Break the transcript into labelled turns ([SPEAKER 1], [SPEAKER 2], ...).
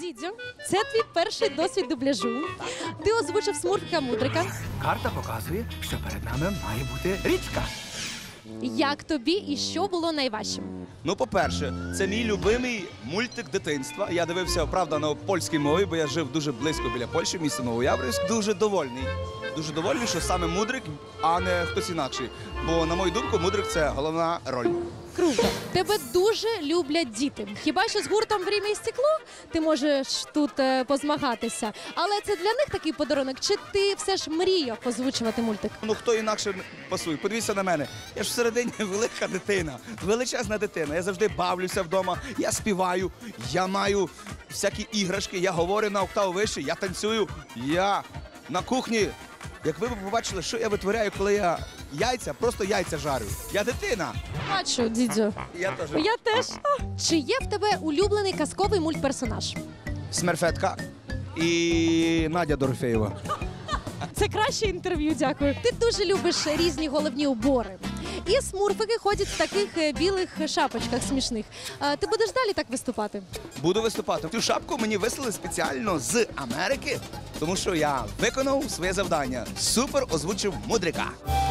[SPEAKER 1] Дідзю, це твій перший досвід дубляжу. Ти озвучив Смурфика-Мудрика.
[SPEAKER 2] Карта показує, що перед нами має бути річка.
[SPEAKER 1] Як тобі і що було найважчим?
[SPEAKER 3] Ну, по-перше, це мій любимий мультик дитинства. Я дивився, правда, на польській мові, бо я жив дуже близько біля Польщі, місто Новояврівськ. Дуже довольний. Дуже довольний, що саме Мудрик, а не хтось інакший. Бо, на мою думку, Мудрик – це головна роль.
[SPEAKER 1] Круто. Тебе дуже люблять діти. Хіба що з гуртом «Время і стекло» ти можеш тут позмагатися. Але це для них такий подарунок? Чи ти все ж мріяв озвучувати мультик?
[SPEAKER 3] Ну, хто інакше пасує? Подивіться на мене. Я ж всередині велика дитина, величезна дитина. Я завжди бавлюся вдома, я співаю, я маю всякі іграшки, я говорю на октаву вище, я танцюю, я на кухні. Як ви б побачили, що я витворяю, коли я просто яйця жарю. Я дитина.
[SPEAKER 1] Бачу, Дідзю.
[SPEAKER 3] Я теж.
[SPEAKER 1] Я теж. Чи є в тебе улюблений казковий мультперсонаж?
[SPEAKER 3] Смерфетка і Надя Дорофєєва.
[SPEAKER 1] Це краще інтерв'ю, дякую. Ти дуже любиш різні головні убори. І смурфики ходять в таких білих шапочках смішних. Ти будеш далі так виступати?
[SPEAKER 3] Буду виступати. Цю шапку мені вислали спеціально з Америки, тому що я виконав своє завдання. Супер озвучив Мудрика.